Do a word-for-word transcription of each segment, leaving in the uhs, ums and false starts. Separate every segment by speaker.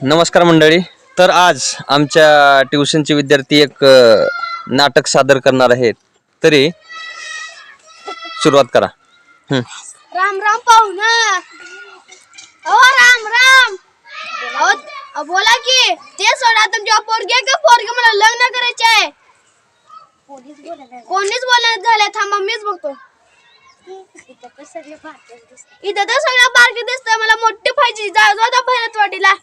Speaker 1: नमस्कार मंडळी. तर आज आमच्या ट्युशनचे विद्यार्थी एक नाटक सादर करणार आहेत. तरी सुरुवात करा.
Speaker 2: राम राम पाहुणा. ओ राम राम. ओ बोला की. ते सोडा, तुमच्या पोरगे का पोरगे मला लग्न करायचे आहे. कोणीच बोलत झाले. थांबा मीच बघतो. इथं तर सगळं बारके दिसतंय. मला मोठी पाहिजे. जा जा भरत वाटीला.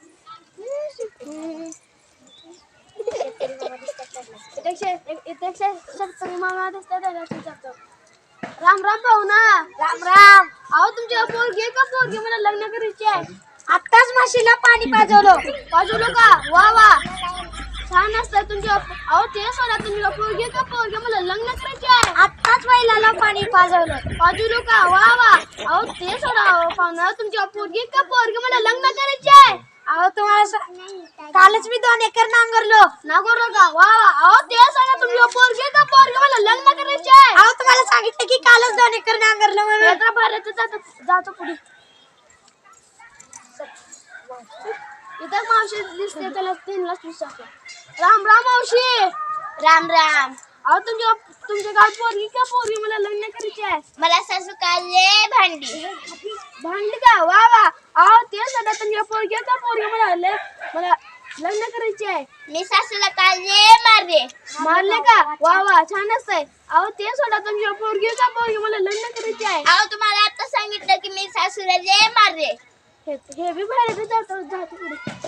Speaker 2: राम राम पाहुणा. राम राम. अहो तुमच्या पोरगी का पोरगी मला लग्न करायची आहे. आत्ताच म्हशीला पाणी पाजवलं. पाजवलं का? वा वा, छान असतं तुमच्या. अहो ते सोडा, तुमच्या पोरगी का पोरगी मला लग्न करायची आहे. आत्ताच बैलाला पाणी पाजवलं. पाजवलं का? वा वा. अहो ते सोडा पाहुणा, तुमच्या पोरगी का पोरगी मला लग्न करायची आहे. अहो तुम्हाला कालच मी दोन एकर नांगरलो. नांगरलो का? वा वा. अहो ते सोडा, तुमच्या पोरगी का पोरगी मला लग्न करायची आहे. अहो तुम्हाला सांगितलं की कालच दोन एकर नांगरलो म्हणून. भारत जातो पुढे. इथं मावशी दिसते, त्याला तीनलाच विचारतो. राम राम मावशी. राम राम. अहो तुमच्या तुमच्या गावात पोरगी का पोरगी मला लग्न करायची आहे. मला सासू काढले भांडी. भांडी का? वा वा. अहो ते सध्या तुमच्या पोरगी का पोरगी मला मला लग्न करायची आहे. मी सासूला काढले मारले. मारले का? वा वा, छान असतंय. अहो ते सोडा, तुमच्या पोरगी का पोरगी मला लग्न करायची आहे. अहो तुम्हाला आता सांगितलं की मी सासूला ले मारले. हे बी बाहेर जातो जातो पुढे.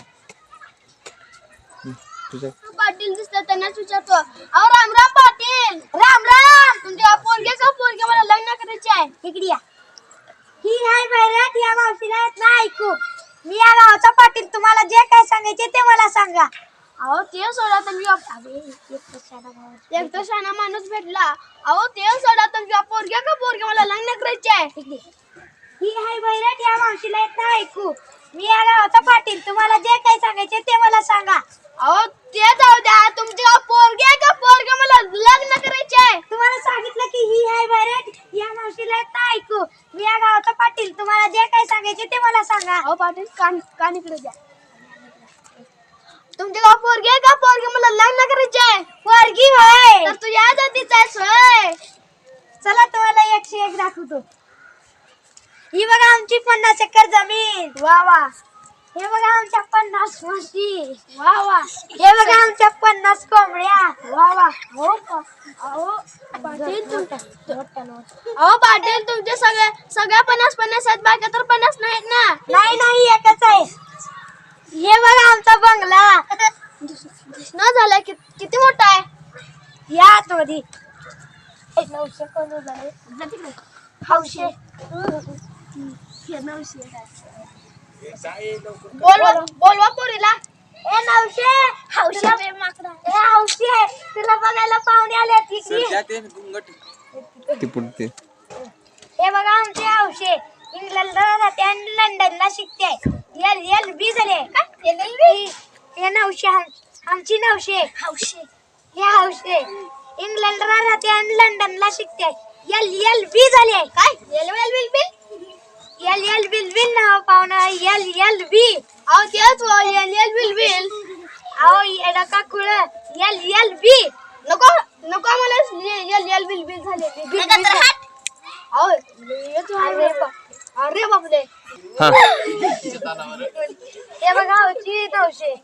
Speaker 2: पाटील दिसतात, त्यांनाच विचारतो. अहो राम राम पाटील. राम राम. तुमच्या पोरगे का पोरगे मला लग्न करायचे आहे. इकडे या. ही हाय बैराट. या मावशीला येत ना ऐकू. मी या गावचा पाटील. तुम्हाला जे काय सांगायचे ते मला सांगा. अहो ते सोडा, तुम्ही एक तर शाना माणूस भेटला. अहो ते सोडा, तुमच्या पोरगे का पोरगे मला लग्न करायचे आहे. ही हाय बैराट. या मावशीला येत ना ऐकू. मी या गावचा पाटील. तुम्हाला जे काय सांगायचे ते मला सांगा. अहो ते जाऊ द्या, तुमच्या पोरगे का पोरगे मला लग्न करायचे आहे. तुम्हाला सांगितलं की ही हाय बैराट. या मावशीला येत ना ऐकू. मी या गावचा पाटील. तुम्हाला जे काय सांगायचे ते मला सांगा. अहो पाटील, कान कान इकडे द्या. तुमच्या गाव पोरगे का पोरगे मला लग्न करायचे आहे. पोरगी होय. तर तू या जातीचा आहेस होय. चला तुम्हाला एकशे एक दाखवतो. ही बघा आमची पन्नास एकर जमीन. वा वा. हे बघा आमच्या पन्नास म्हशी. वा वा. हे बघा आमच्या पन्नास कोंबड्या. वा वा. हो अहो पाटील, अहो पाटील, तुमच्या सगळ्या सगळ्या पन्नास पन्नास आहेत. बाकी तर पन्नास नाहीत ना. नाही नाही, एकच आहे. हे बघा आमचा बंगला. न झालं कि, किती मोठा आहे. या आतमध्ये. नऊशे कोण झाले. हौशे. बोलवा बोलवा पोरीला. ए नवशे. हौशे. ए हौशे, तुला बघायला पाहुणे आले. हे बघा आमचे हौशे. इंग्लंडला राहते आणि लंडनला शिकते. एल एल बी झाले. हे नवशे आमची नवशे. हौशे. हे हौशे इंग्लंडला राहते आणि लंडनला शिकते. एल एल बी झाले. काय L L bill bill L L bill bill ना पाहुणा. L L B. अहो तेच एल एल बिल बिल. अहो येडा का कुळ. L L B. नको नको मला एल एल बिल बिल झाले. अहो अरे बापरे. हे बघा होची नऊशे.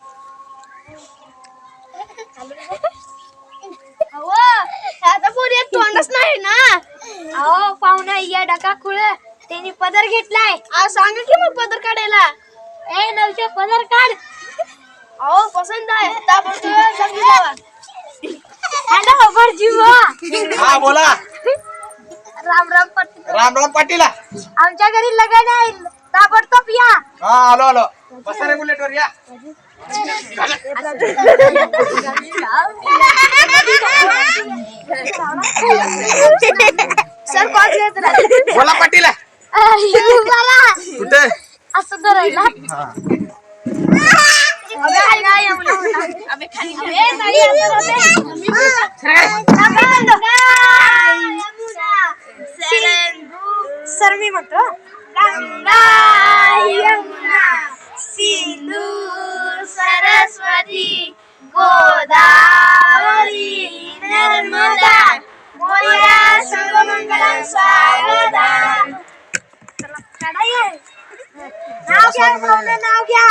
Speaker 2: अहो आता पोरी तोंडच नाही ना. अहो पाहुणा येडा का कुळ. त्यांनी पदर घेतलाय. आज सांगा की मग पदर काढायला. ए नवशे, पदर काढ. अहो पसंत आहे. हॅलो बरजीवा.
Speaker 3: हा बोला.
Speaker 2: राम राम पाटील.
Speaker 3: राम राम पाटील.
Speaker 2: आमच्या घरी लग्न आहे, ताबडतोब या.
Speaker 3: हा आलो आलो. बसा रे बुलेट वर या.
Speaker 2: सर कॉल
Speaker 3: बोला पाटील. कुठे
Speaker 2: असं धरायला. सर मी म्हणतो गंगा यमुना सिंधू गोदावरी नर्मदा मोरया सर्वमंगल स्वागता. नाव घ्या पाहुणे, नाव घ्या.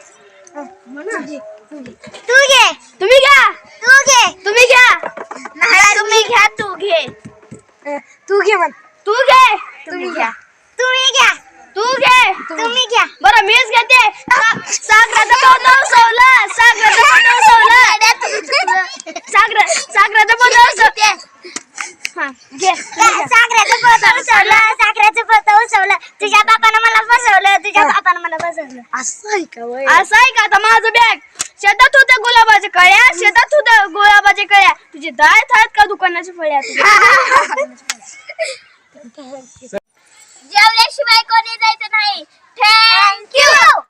Speaker 2: तू घे. तुम्ही घ्या. तू घे. तुम्ही घ्या. नाही तुम्ही घ्या. तू घे. तू घे म्हण. तू घे. तुम्ही घ्या. तुम्ही घ्या. तू घे. तुम्ही घ्या. बरं मीच घेते. सागराचं पोतं उसवलं. सागराचं पोतं उसवलं. सागर सागराचं पोतं उसवलं. हा घे. सागराचं पोतं उसवलं. सागराचं पोतं उसवलं. तुझ्या बापानं मला फसवलं. तुझ्या बापानं मला फसवलं. असं आहे का? असं आहे का? आता माझं बॅग शेतात होत्या गुलाबाच्या कळ्या. शेतात होत्या गुलाबाच्या कळ्या. तुझे दात आहेत का दुकानाच्या फळ्या? जेवल्याशिवाय कोणी जायचं नाही. थँक्यू.